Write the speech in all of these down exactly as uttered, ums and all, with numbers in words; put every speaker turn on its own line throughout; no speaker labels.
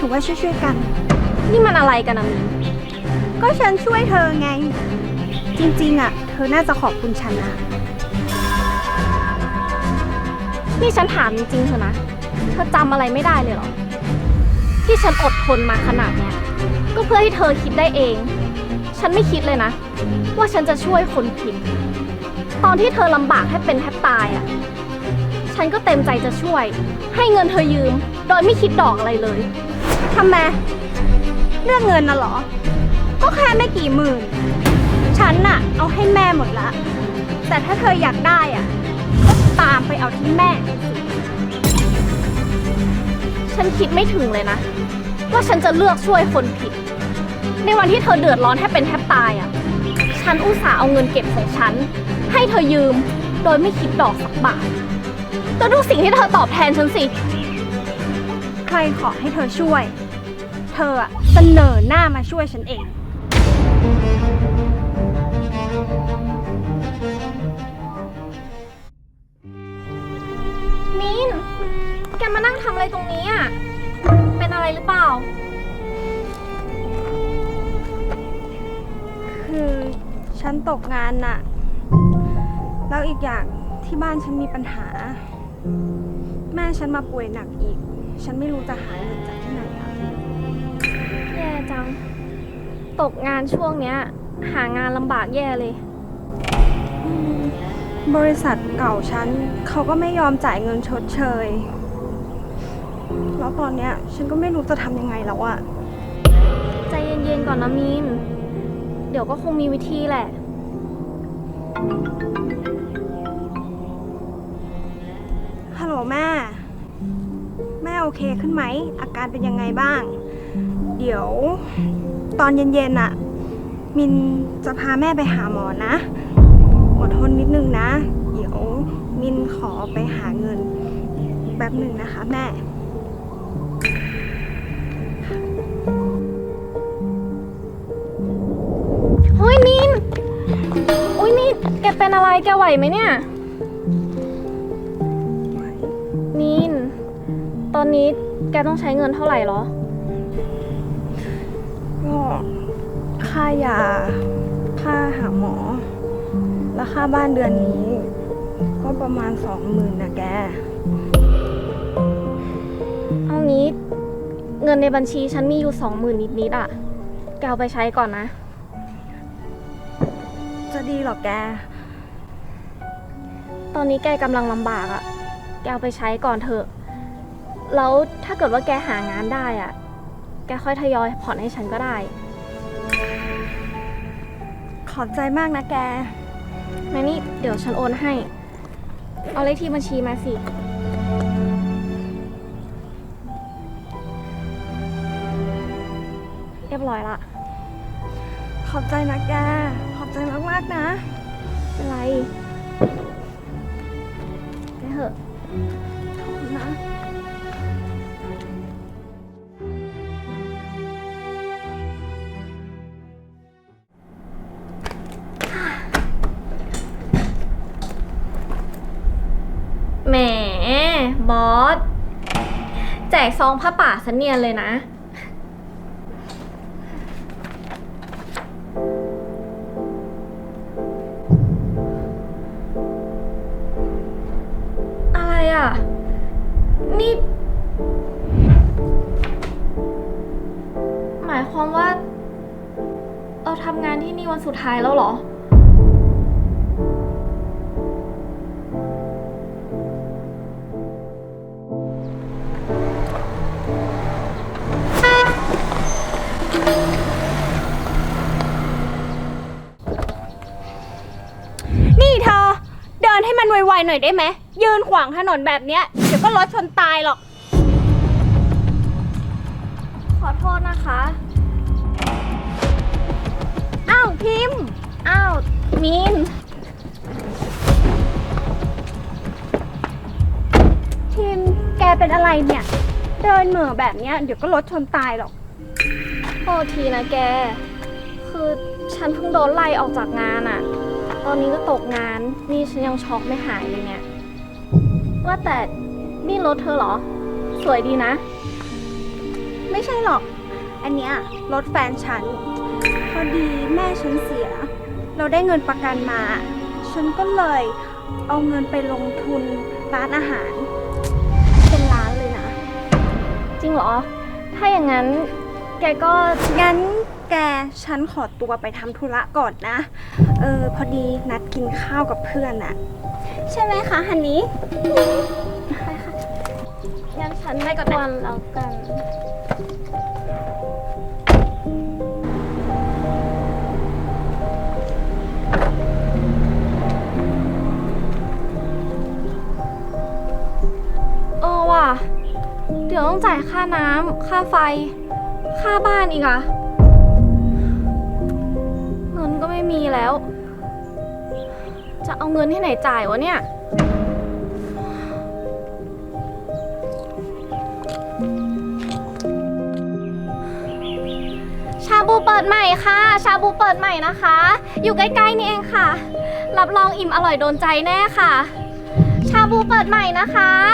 ว่าช่วยๆกัน
นี่มันอะไรกันนะมีน
ก็ฉันช่วยเธอไงจริงๆอ่ะเธอน่าจะขอบคุณฉันนะ
นี่ฉันถามจริงๆเถอะนะเธอจำอะไรไม่ได้เลยเหรอที่ฉันอดทนมาขนาดเนี้ยก็เพื่อให้เธอคิดได้เองฉันไม่คิดเลยนะว่าฉันจะช่วยคนผิดตอนที่เธอลำบากให้เป็นแทบตายอ่ะฉันก็เต็มใจจะช่วยให้เงินเธอยืมโดยไม่คิดดอกอะไรเลย
ทำไมเรื่องเงินน่ะเหรอก็แค่ไม่กี่หมื่นฉันน่ะเอาให้แม่หมดละแต่ถ้าเธออยากได้อ่ะก็ตามไปเอาที่แม่
ฉันคิดไม่ถึงเลยนะว่าฉันจะเลือกช่วยคนผิดในวันที่เธอเดือดร้อนแทบเป็นแทบตายอ่ะฉันอุตส่าห์เอาเงินเก็บของฉันให้เธอยืมโดยไม่คิดดอกสักบาทแล้วดูสิ่งที่เธอตอบแทนฉันสิ
ใครขอให้เธอช่วยเธออะเสนอหน้ามาช่วยฉันเอง
มีนแกมานั่งทำอะไรตรงนี้อ่ะเป็นอะไรหรือเปล่า
คือฉันตกงานน่ะแล้วอีกอย่างที่บ้านฉันมีปัญหาแม่ฉันมาป่วยหนักอีกฉันไม่รู้จะหาเงินจากที่ไหนอ่ะ
แย่จังตกงานช่วงเนี้ยหางานลำบากแย่เลย
บริษัทเก่าฉันเขาก็ไม่ยอมจ่ายเงินชดเชยแล้วตอนเนี้ยฉันก็ไม่รู้จะทำยังไงแล้วอะ
ใจเย็นๆก่อนนะมีนเดี๋ยวก็คงมีวิธีแหละ
ฮัลโหลแม่แม่โอเคขึ้นไหมอาการเป็นยังไงบ้างเดี๋ยวตอนเย็นๆน่ะมินจะพาแม่ไปหาหมอนะอดทนนิดนึงนะเดี๋ยวมินขอไปหาเงินแป๊บหนึ่งนะคะแม่
เฮ้ยมินอุ้ยนี่แกเป็นอะไรแกไหวไหมเนี่ยมินตอนนี้แกต้องใช้เงินเท่าไหร่หรอ
ก็ค่ายาค่าหาหมอและค่าบ้านเดือนนี้ก็ประมาณสองหมื่นนะแก
เอางี้เงินในบัญชีฉันมีอยู่สองหมื่นนิดๆอ่ะแกเอาไปใช้ก่อนนะ
จะดีหรอแก
ตอนนี้แกกำลังลำบากอ่ะแกเอาไปใช้ก่อนเถอะแล้วถ้าเกิดว่าแกหางานได้อ่ะแกค่อยทยอยผ่อนให้ฉันก็ได้
ขอบใจมากนะแก
แม่นี่เดี๋ยวฉันโอนให้เอาเลขที่บัญชีมาสิเรียบร้อยละ
ขอบใจนะแกขอบใจมากๆนะ
เป็นไรไปเถอะ
ขอบคุณนะ
แหมบอสแจกซองผ้าป่าซะเนียนเลยนะอะไรอ่ะนี่หมายความว่าเราทำงานที่นี่วันสุดท้ายแล้วเหรอ
นี่เธอเดินให้มันไวๆหน่อยได้ไหมยืนขวางถนนแบบเนี้ยเดี๋ยวก็รถชนตายหรอก
ขอโทษนะคะ
อ้าวพิมพ์
อ้าวมีน
พิมพ์แกเป็นอะไรเนี่ยเดินเหม่อแบบเนี้ยเดี๋ยวก็รถชนตายหรอก
โทษทีนะแกคือฉันเพิ่งโดนไล่ออกจากงานอะตอนนี้ก็ตกงานนี่ฉันยังช็อกไม่หายเลยเนี่ยว่าแต่นี่รถเธอเหรอสวยดีนะ
ไม่ใช่หรอก อันเนี้ยรถแฟนฉัน พอดีแม่ฉันเสีย เราได้เงินประกันมา ฉันก็เลยเอาเงินไปลงทุนร้านอาหาร เป็นล้านเลยนะ
จริงเหรอ ถ้าอย่างนั้นแกก็
งั้นแกฉันขอตัวไปทำธุระก่อนนะ เออพอดีนัดกินข้าวกับเพื่อนอะใช่ไหมคะฮันนี่
งั้นฉันไม่กวนแล้วกัน เออว่ะ เดี๋ยวต้องจ่ายค่าน้ำ ค่าไฟ ค่าบ้านอีกอะเงินก็ไม่มีแล้ว จะเอาเงินที่ไหนจ่ายวะเนี่ย ชาบูเปิดใหม่ค่ะ ชาบูเปิดใหม่นะคะ อยู่ใกล้ๆนี่เองค่ะ รับรองอิ่มอร่อยโดนใจแน่ค่ะ ชาบูเปิดใหม่นะคะ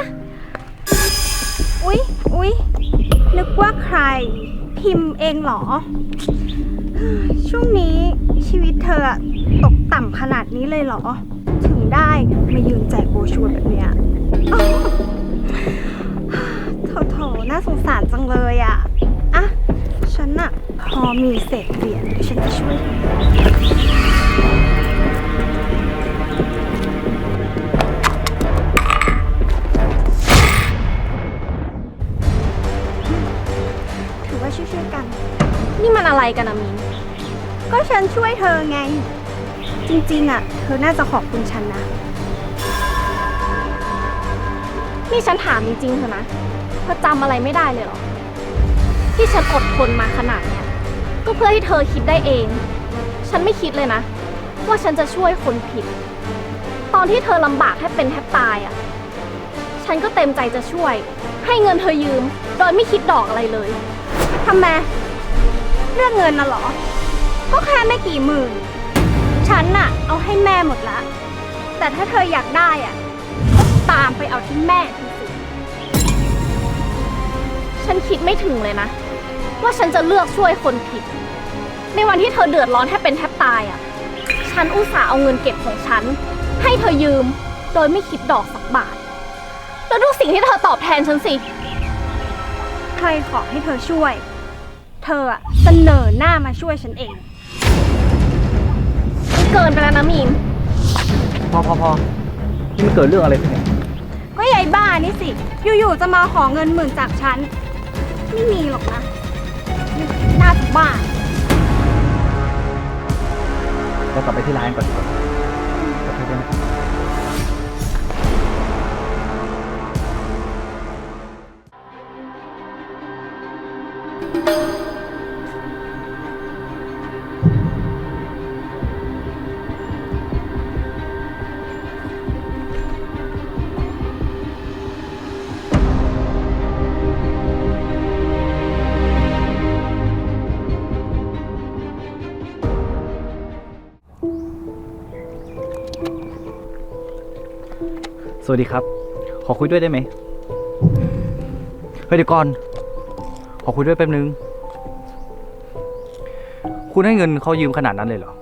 อุ๊ย อุ๊ย นึกว่าใครพิมพ์เองเหรอ ช่วงนี้ชีวิตเธอตกต่ำขนาดนี้เลยเหรอ ถึงได้มายืนแจกโบรชัวร์แบบเนี้ยโถๆน่าสงสารจังเลยอ่ะ อ่ะ ฉันอะพอมีเศษเหรียญเดี๋ยวฉันจะช่วย ถือว่าช่วยๆกัน
นี่มันอะไรกันอะมิน
ก็ฉันช่วยเธอไง จริงๆอ่ะ เธอน่าจะขอบคุณฉันนะ
นี่ฉันถามจริงๆเถอะนะ เธอจำอะไรไม่ได้เลยเหรอ ที่ฉันอดทนมาขนาดเนี้ย ก็เพื่อให้เธอคิดได้เอง ฉันไม่คิดเลยนะ ว่าฉันจะช่วยคนผิด ตอนที่เธอลำบากแทบเป็นแทบตายอะ่ะ ฉันก็เต็มใจจะช่วย ให้เงินเธอยืม โดยไม่คิดดอกอะไรเลย
ทำไม เรื่องเงินน่ะเหรอ ก็แค่ไม่กี่หมื่น ฉันน่ะ เอาให้แม่หมดละ แต่ถ้าเธออยากได้อ่ะก็ตามไปเอาที่แม่เธอสิ
ฉันคิดไม่ถึงเลยนะ ว่าฉันจะเลือกช่วยคนผิด ในวันที่เธอเดือดร้อนแทบเป็นแทบตายอ่ะ ฉันอุตส่าห์เอาเงินเก็บของฉัน ให้เธอยืม โดยไม่คิดดอกสักบาท แล้วดูสิ่งที่เธอตอบแทนฉันสิ
ใครขอให้เธอช่วย เธออะเสนอหน้ามาช่วยฉันเอง
มันเกินไปแล้วนะมีน
พอพอพอนี่มันเกิดเรื่องอะไรขึ้นเนี่ย
ก็ยายบ้านี่สิ อยู่ๆจะมาขอเงินหมื่นจากฉัน ไม่มีหรอกนะน่าจะบ้า
เรากลับไปที่ร้านก่อนดีกว่าขอโทษด้วยนะครับ สวัสดีครับ ขอคุยด้วยได้ไหมเฮ้ยเดี๋ยวก่อน ขอคุยด้วยแป๊บนึง คุณให้เงินเขายืมขนาดนั้นเลยเหรอ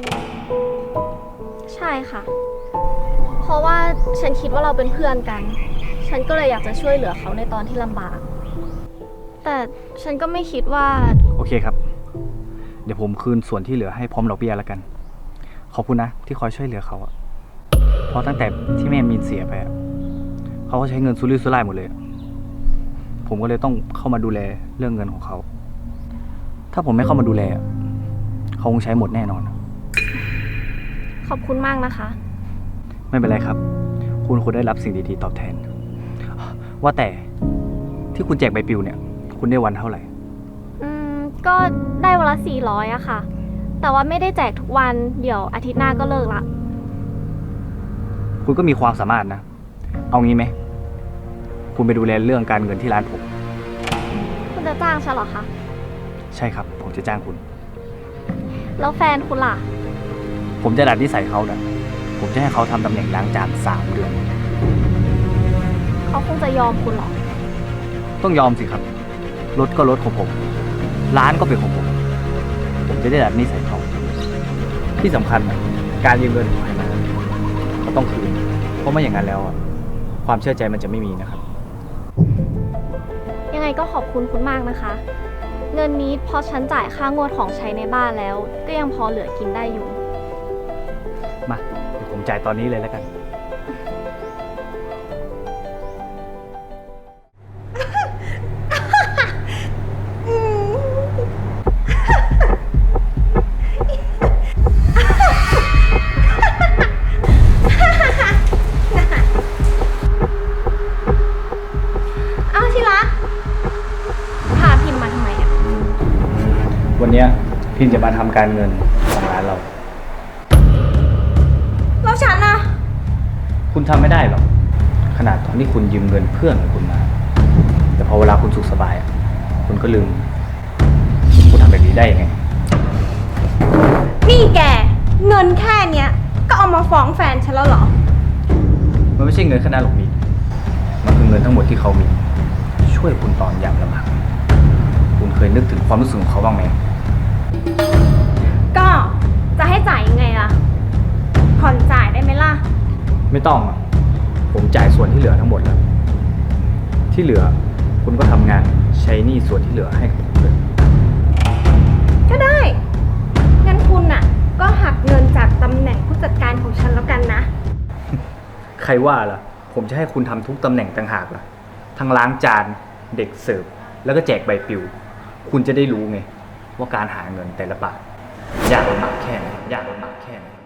ใช่ค่ะ เพราะว่าฉันคิดว่าเราเป็นเพื่อนกัน ฉันก็เลยอยากจะช่วยเหลือเขาในตอนที่ลำบาก แต่ฉันก็ไม่คิดว่า
โอเคครับ เดี๋ยวผมคืนส่วนที่เหลือให้พร้อมดอกเบี้ยแล้วกัน ขอบคุณนะที่คอยช่วยเหลือเขาอะเพราะตั้งแต่ที่แม่มีนเสียไปอะเขาก็ใช้เงินซุรุ่ยซุร่ายหมดเลย ผมก็เลยต้องเข้ามาดูแลเรื่องเงินของเขา ถ้าผมไม่เข้ามาดูแลอะเขาคงใช้หมดแน่นอน
ขอบคุณมากนะคะ
ไม่เป็นไรครับ คุณควรได้รับสิ่งดีๆตอบแทน ว่าแต่ที่คุณแจกใบปลิวเนี่ย คุณได้วันเท่าไหร่
อืม ก็ได้วันละสี่ร้อยอะค่ะ แต่ว่าไม่ได้แจกทุกวัน เดี๋ยวอาทิตย์หน้าก็เลิกละ
คุณก็มีความสามารถนะ เอางี้ไหม คุณไปดูแลเรื่องการเงินที่ร้านผม
คุณจะจ้างฉันเหรอคะ
ใช่ครับ ผมจะจ้างคุณ
แล้วแฟนคุณล่ะ
ผมจะดัดนิสัยเขานะผมจะให้เขาทำตำแหน่งล้างจานสามเดือน
เขาคงจะยอมคุณเหรอ
ต้องยอมสิครับรถก็รถของผม ร้านก็เป็นของผม ผมจะได้ดัดนิสัยเขาที่สำคัญอะการยืมเงินของใครมาก็ต้องคืน เพราะไม่อย่างนั้นแล้วอะความเชื่อใจมันจะไม่มีนะครับ
ยังไงก็ขอบคุณคุณมากนะคะ เงินนี้พอฉันจ่ายค่างวดของใช้ในบ้านแล้ว ก็ยังพอเหลือกินได้อยู่
มาเดี๋ยวผมจ่ายตอนนี้เลยแล้วกัน
เอาที่รัก
พาพิมพ์มาทำไมอะ
วันเนี้ยพิมจะมาทำการเงินของร้านเรา
แล้วฉันนะ
คุณทำไม่ได้หรอก ขนาดตอนที่คุณยืมเงินเพื่อนของคุณมา แต่พอเวลาคุณสุขสบายอะคุณก็ลืม คุณทำแบบนี้ได้ยังไง
นี่แก เงินแค่เนี้ย ก็เอามาฟ้องแฟนฉันแล้วเหรอ
มันไม่ใช่เงินแค่นั้นหรอกมีนมันคือเงินทั้งหมดที่เขามี ช่วยคุณตอนยามลำบากคุณเคยนึกถึงความรู้สึกของเขาบ้างไหม
ก็จะให้จ่ายยังไงล่ะ ผ่อนจ่ายได้ไหมล่ะ
ไม่ต้องอะผมจ่ายส่วนที่เหลือทั้งหมดแล้ว ที่เหลือคุณก็ทำงานใช้หนี้ส่วนที่เหลือให้กับผมเลย
ก็ได้ งั้นคุณน่ะ ก็หักเงินจากตำแหน่งผู้จัดการของฉันแล้วกันนะ
ใครว่าล่ะ ผมจะให้คุณทำทุกตำแหน่งต่างหากล่ะ ทั้งล้างจาน เด็กเสิร์ฟ แล้วก็แจกใบปลิว คุณจะได้รู้ไง ว่าการหาเงินแต่ละบาทยากลำบากแค่ไหนยากลำบากแค่ไหน